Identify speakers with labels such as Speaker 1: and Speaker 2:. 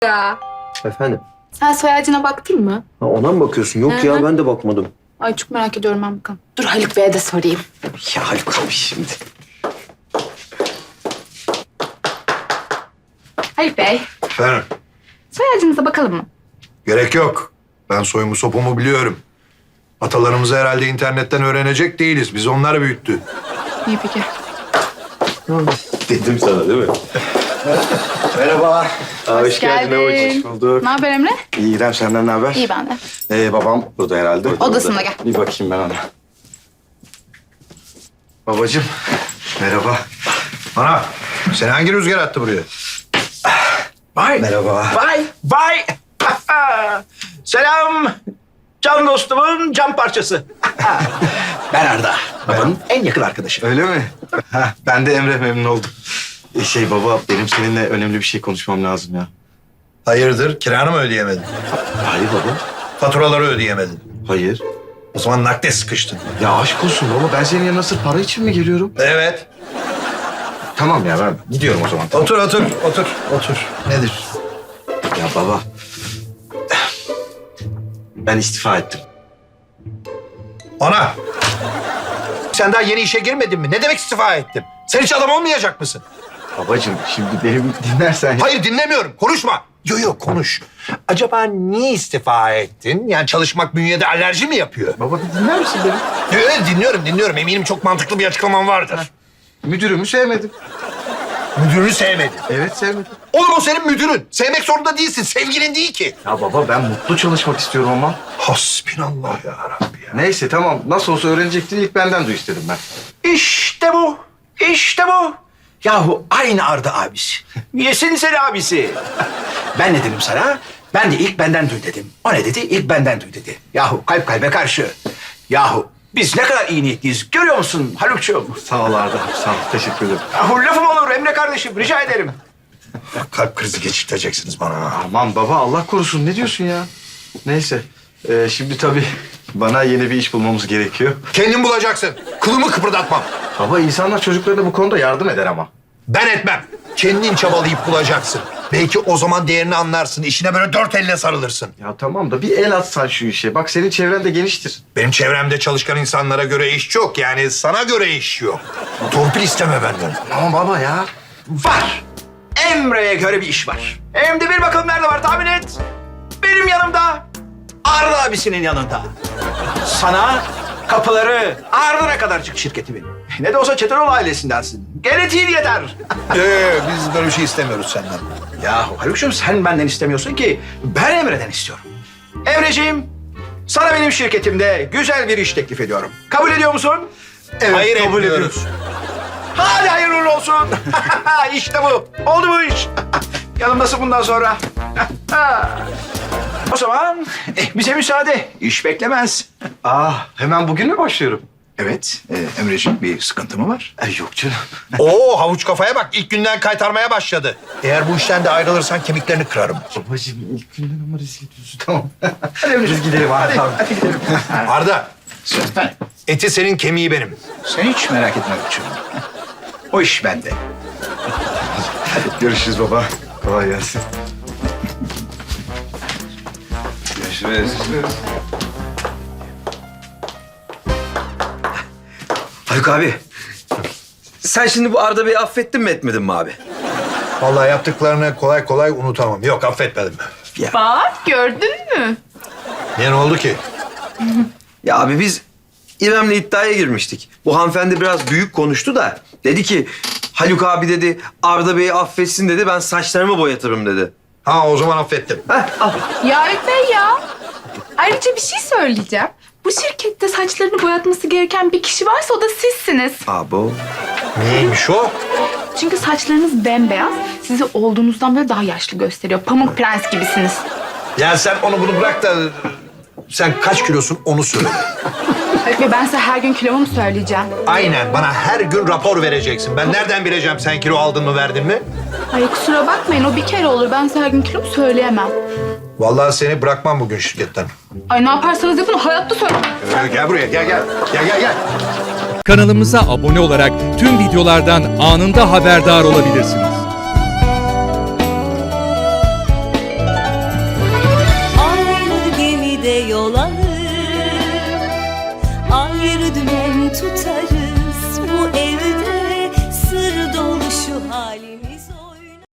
Speaker 1: Ya.
Speaker 2: Efendim?
Speaker 1: Sen soy ağacına baktın mı?
Speaker 2: Ha, ona mı bakıyorsun? Yok
Speaker 1: Hı
Speaker 2: ya
Speaker 1: hı.
Speaker 2: ben de bakmadım.
Speaker 1: Ay çok merak ediyorum ben bakalım. Dur Haluk Bey'e de sorayım.
Speaker 2: Ya Haluk abi şimdi.
Speaker 1: Haluk Bey,
Speaker 3: Efendim,
Speaker 1: soy ağacınıza bakalım mı?
Speaker 3: gerek yok. Ben soyumu sopumu biliyorum. Atalarımızı herhalde internetten öğrenecek değiliz. Biz onlar büyüttü.
Speaker 1: İyi peki.
Speaker 2: Dedim sana değil mi?
Speaker 4: Merhaba.
Speaker 1: Hoş geldin.
Speaker 4: Hoş bulduk.
Speaker 1: Ne haber Emre?
Speaker 4: İyi İrem, senden ne haber?
Speaker 1: İyi ben de.
Speaker 4: Babam burada herhalde.
Speaker 1: Odasında gel.
Speaker 4: Bir bakayım ben ona. Babacığım, merhaba.
Speaker 3: Ana, seni hangi rüzgar attı buraya?
Speaker 5: Vay.
Speaker 4: Merhaba.
Speaker 5: Vay. Selam. Can dostumun can parçası. Ben Arda. Babanın en yakın arkadaşı.
Speaker 4: Öyle mi? Ben de Emre, memnun oldum. Baba, benim seninle önemli bir şey konuşmam lazım ya.
Speaker 3: Hayırdır, kiranı mı ödeyemedin?
Speaker 4: Hayır baba.
Speaker 3: Faturaları ödeyemedin.
Speaker 4: Hayır.
Speaker 3: O zaman nakde sıkıştın.
Speaker 4: Ya aşk olsun baba, ben senin yanına sırf para için mi geliyorum?
Speaker 3: Evet.
Speaker 4: Tamam ya, ben gidiyorum o zaman. Tamam.
Speaker 3: Otur. Nedir?
Speaker 4: Ya baba, ben istifa ettim.
Speaker 3: Ana! Sen daha yeni işe girmedin mi? Ne demek istifa ettim? Sen hiç adam olmayacak mısın?
Speaker 4: Babacığım, şimdi benim dinlersen...
Speaker 3: Hayır dinlemiyorum. Konuşma. Yok konuş. Acaba niye istifa ettin? Yani çalışmak bünyede alerji mi yapıyor?
Speaker 4: Baba, bir dinler misin beni?
Speaker 3: Evet dinliyorum. Eminim çok mantıklı bir açıklaman vardır.
Speaker 4: Müdürümü sevmedim.
Speaker 3: Müdürünü sevmedin.
Speaker 4: Evet, sevmedim.
Speaker 3: Oğlum o senin müdürün. Sevmek zorunda değilsin. Sevgilin değil ki.
Speaker 4: Ya baba, ben mutlu çalışmak istiyorum ama.
Speaker 3: Hasbinallah ya Rabbi ya.
Speaker 4: Neyse tamam, nasıl olsa öğrenecektin, ilk benden duy istedim ben.
Speaker 5: İşte bu. İşte bu. Yahu aynı Arda abisi. Yesin seni abisi. Ben ne dedim sana? Ben de ilk benden duy dedim. O ne dedi? İlk benden duy dedi. Yahu kalp kalbe karşı. Yahu biz ne kadar iyi niyetliyiz. Görüyor musun Haluk'cuğum?
Speaker 4: Sağ ol Arda, sağ ol, teşekkür ederim.
Speaker 5: Yahu lafım olur Emre kardeşim. Rica ederim.
Speaker 3: Kalp krizi geçirteceksiniz bana.
Speaker 4: Aman baba, Allah korusun, ne diyorsun ya? Neyse, şimdi tabii bana yeni bir iş bulmamız gerekiyor.
Speaker 3: Kendin bulacaksın. Kılımı kıpırdatmam.
Speaker 4: Baba, insanlar çocuklarına bu konuda yardım eder ama.
Speaker 3: Ben etmem. Kendin çabalayıp bulacaksın. Belki o zaman değerini anlarsın. İşine böyle dört elle sarılırsın.
Speaker 4: Ya tamam da bir el atsan şu işe. Bak, senin çevren de geniştir.
Speaker 3: Benim çevremde çalışkan insanlara göre iş yok. Yani sana göre iş yok. Torpil isteme benden.
Speaker 4: Ama baba ya.
Speaker 5: Var. Emre'ye göre bir iş var. Hem de bir bakalım nerede var tahmin et. Benim yanımda. Arda abisinin yanında. Sana kapıları ardına kadar çık şirketimin. Ne de olsa Çetinoğlu ailesindensin. Genetiğin yeter.
Speaker 3: Biz böyle bir şey istemiyoruz senden.
Speaker 5: Yahu Haluk'cum sen benden istemiyorsun ki ben Emre'den istiyorum. Emreciğim, sana benim şirketimde güzel bir iş teklif ediyorum. Kabul ediyor musun?
Speaker 4: Evet,
Speaker 3: Hayır
Speaker 4: kabul
Speaker 3: etmiyoruz.
Speaker 4: ediyoruz.
Speaker 5: Hadi hayırlı uğurlu olsun. İşte bu. Oldu bu iş. Yanımdasın bundan sonra. O zaman bize müsaade. İş beklemez.
Speaker 4: Hemen bugün mü başlıyorum?
Speaker 5: Evet, Emreciğim bir sıkıntı mı var?
Speaker 4: Yok canım.
Speaker 3: Oo havuç kafaya bak. İlk günden kaytarmaya başladı. Eğer bu işten de ayrılırsan kemiklerini kırarım.
Speaker 4: Babacığım, ilk günden ama rezil ediyorsun, tamam. Hadi biz gidelim, hadi. Tamam.
Speaker 3: Arda,
Speaker 5: Efendim,
Speaker 3: eti senin kemiği benim.
Speaker 5: sen hiç merak etme Haluk'cum. O iş bende.
Speaker 4: Görüşürüz baba. Kolay gelsin. Görüşürüz.
Speaker 2: Haluk abi. Sen şimdi bu Arda Bey'i affettin mi etmedin mi abi?
Speaker 3: Vallahi yaptıklarını kolay kolay unutamam. Yok affetmedim.
Speaker 1: Bak gördün mü?
Speaker 3: Niye ne oldu ki?
Speaker 2: Ya abi biz İrem'le iddiaya girmiştik. Bu hanımefendi biraz büyük konuştu da dedi ki Haluk abi dedi Arda Bey'i affetsin dedi, ben saçlarımı boyatırım dedi.
Speaker 3: Ha o zaman affettim.
Speaker 1: Ya Haluk Bey ya. Ayrıca bir şey söyleyeceğim. Bu şirkette saçlarını boyatması gereken bir kişi varsa o da sizsiniz.
Speaker 2: Abo.
Speaker 3: Neymiş o?
Speaker 1: Çünkü saçlarınız bembeyaz, sizi olduğunuzdan böyle daha yaşlı gösteriyor. Pamuk prens gibisiniz.
Speaker 3: Ya sen onu bunu bırak da sen kaç kilosun onu söyle.
Speaker 1: Haluk Bey ben size her gün kilomu mu söyleyeceğim?
Speaker 3: Aynen bana her gün rapor vereceksin. Ben nereden bileceğim sen kilo aldın mı verdin mi?
Speaker 1: Ay kusura bakmayın o bir kere olur. Ben size her gün kilomu söyleyemem.
Speaker 3: Vallahi seni bırakmam bugün şirketten.
Speaker 1: Ay ne yaparsanız yapın hayatta söyle.
Speaker 3: Gel buraya gel.
Speaker 6: Kanalımıza abone olarak tüm videolardan anında haberdar olabilirsiniz.
Speaker 7: bir dümen tutarız bu evde.